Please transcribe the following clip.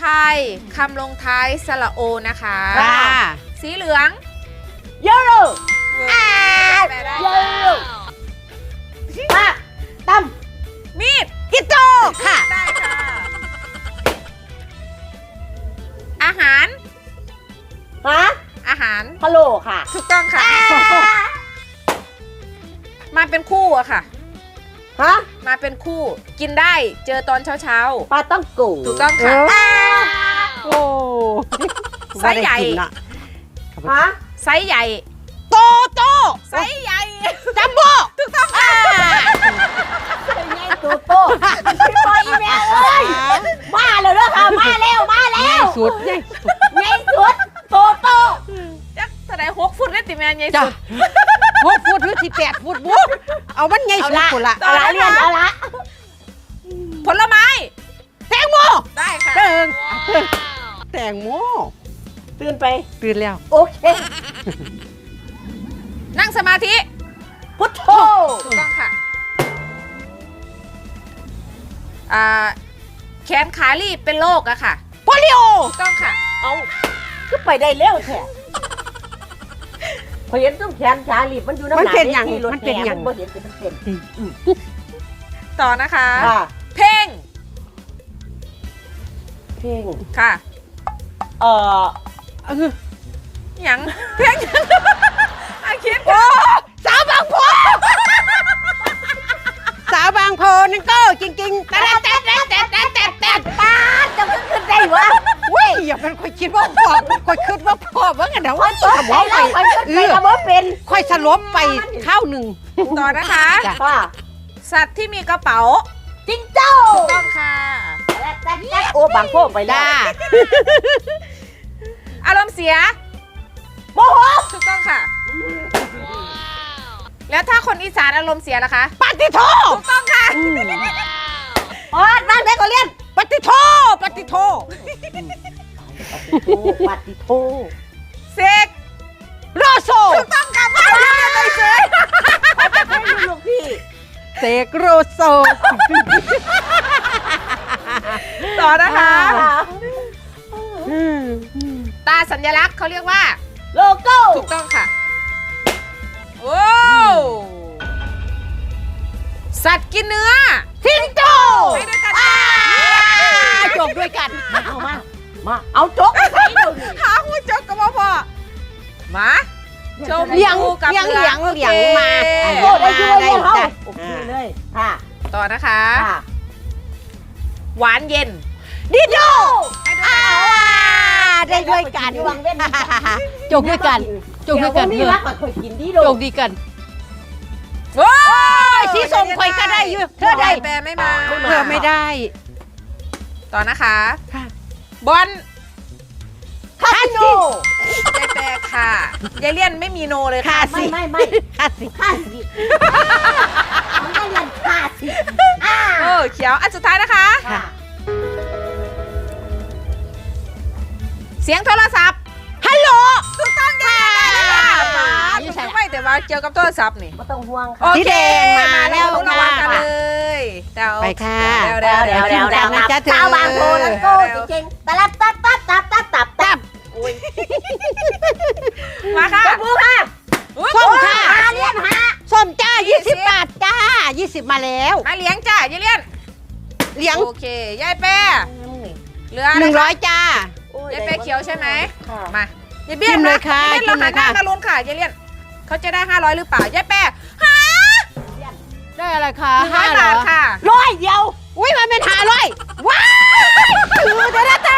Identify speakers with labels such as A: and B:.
A: ทยคำลงท้ายสระโอนะคะสีเหลือง
B: เยลโล่เยลโล่มาตั้ม
A: มีด
B: กิโตค่ะ
A: ได้ค่ะ อาหาร
B: ฮะ
A: อาหาร
B: พะโลค่ะ
A: ถูกต้องค่ะ มาเป็นคู่อะค่ะ
B: ฮะ
A: มาเป็นคู่กินได้เจอตอนเช้า
B: ปลาต้องกู
A: ๆถูกต้องค่ะ
C: โอ้
A: ไซส์ใหญ่
B: ฮะ
A: ไซส์ใหญ่
C: โตโต
A: ไซส์ใหญ่
C: จัมโบ้
A: ถูกต้องค่ะ
B: เป็นไงตัวโตพี่บอยอีแมวเอ้ยมาแล้วเด้อค่ะมาแล้วมาแล้ว
C: สุดใหญ่
B: ไงสุดโตโต
A: จักแสดง6 ฟุตได้ติแมนใหญ่
C: จ้ะ
A: สุด
C: 6 ฟุตหรือ18 ฟุตบุ๊กเอามันใหญ่สุดคนละ
B: เอาละเรียนเอาละ
A: ผลไม้
C: แตงโม
A: ได้ค่ะ
C: แตงโม
B: ตื่นไป
C: ตื่นแล้ว
B: โอเค
A: นั่งสมาธิ
B: พุทโธ
A: ถูกต้องค่ะแขนขาลีบเป็นโรคอะค่ะ
C: โปลิโอ
A: ถูกต้องค่ะ
B: เอาก็ไปได้เร็วแท้พอเห็นต้องแขนขาลีบมันอยู่น้ำหนักที่รถแห่มันบ่เห็นเป็นเส้น
A: ต่อนะคะ
B: ค่ะ
A: เพลง
B: เพลง
A: ค่ะ
B: เอ่อ
A: หยังเพลงหยังอาคิด
C: โอ้สาวบางโพสาวบางโพนั่นก็จริงๆแต่
B: ป้าจะขึ้นได้วะ
C: เว้ยอย่าเป็นค่อยคิดว่าพอค่อยคิดว่าพอว่าไงเดี๋ยวว่า
B: ตกใจแล้วมันขึ้นไปแล้วว่าเป็น
C: ค่อยสลบไปข้าวหนึ่ง
A: ต่อนะคะ
C: จ้ะ
B: ค่ะ
A: สัตว์ที่มีกระเป๋า
B: จิงโจ้
A: ถูกต้องค่ะ
B: โอ้บางโพไปแล้
C: จ้าว
A: อารมณ์เสีย
B: โมโห
A: ถูกต้องค่ะ แล้วถ้าคนอีสานอารมณ์เสียล่ะคะ
C: ปฏิโท
A: ถูกต้องค่ะ
B: อ๋อนั่งได้ก็เรียน
C: ปฏิโทปฏิโท
B: ปฏิโท
A: เสก
C: โรโซ
A: ถูกต้องค่ะว่าไปเฉย
B: ให้ลูกพี่
C: เสกโรโซ
A: ต่อนะคะ
C: อืม
A: ตาสัญลักษณ์เขาเรียกว่า
B: โลโก้
A: ถูกต้องค่ะ โอ้สัตว์กินเนื้อ
C: สิงโต
A: ไปด้วยกันค่ะ
C: จบด้วยกัน
B: เอามาเอาจกไปดู
A: หาหูจกกับพ่อมาชม
C: เลี้ยง
A: ดูกับ
C: เลี้ยง
A: รือ
C: เลี้ยงเลี้ยงมา
B: โอ้ได้ช่วยเลยเขา
C: จ้ะ
B: โอเคเลยค่ะ
A: ต่อนะคะ
B: ค่ะ
A: หวานเย็น
C: ดิโด
A: ให้ด้วยกัน
C: ได้ด้วยกัน
B: วังเว้น
C: จบด้วยกันจบด้วยกัน
B: นี่
C: เถ
B: รั
C: อะ
B: กกับคนกินดีโด
C: จบดีกัน
A: โอ้ย
C: สีส้มข่อยก็ได้อยู่เธอได้
A: แปรไม่มา
C: เธอไม่ได้
A: ต่อนะคะ
C: ค่ะ
A: บอล
B: คาสิโน
A: ยายแปรค่ะยายเลี่ยนไม่มีโนเลยค่ะ
B: ไม่
C: คาสิ
B: คาสิมันได้ยันคาสิ
A: เขียวอันสุดท้ายนะคะ
B: ค่ะ
A: เสียงโทรศัพท์
C: ฮัลโหล
A: ถูกต้องค่ะถูกต้องไม่แต่ว่าเกี่ยวกับโทรศัพท์นี่
B: ไม่ต้องห่วง
A: โอ
B: ค่ะ
A: เค
C: สีแดงมาแล้ว
A: รู้ระวังกันเลยเดี๋ยว
C: ไปค่ะ
A: เดี๋ยว
C: นะจ๊ะเธอ
B: สาวบางโพแล้วก็จริงๆตะลับตับตับ
A: มาค่ะ
B: ตบมือค่ะ
C: ส้มค่ะ
B: เรียนหา
C: ส้มจ้า20 บาทจ้า20มาแล้ว
A: มาเลี้ยงจ้ายายเลี่ยน
C: เลี้ยง
A: โอเคยายแปรเหลือ
C: 100จ้าย
A: ายแปรเขียวใช่ไหม
B: ค่ะ
A: มายายเบี้ย
C: จิ้มเลยค่ะ
A: ยายเลี่ยน
C: จิ้
A: เรา
C: มเลยค่ะ
A: หันหน้ามาลุ้นค่ะยายเลี่ยนเขาจะได้500หรือเปล่ายายแปรหา
C: ได้อะไรคะ
A: 100 บาทค่ะ
B: ร้อยเดียว
C: อุ้ยมันเป็น500ว้าวถือเดี๋ยวนะจ๊ะ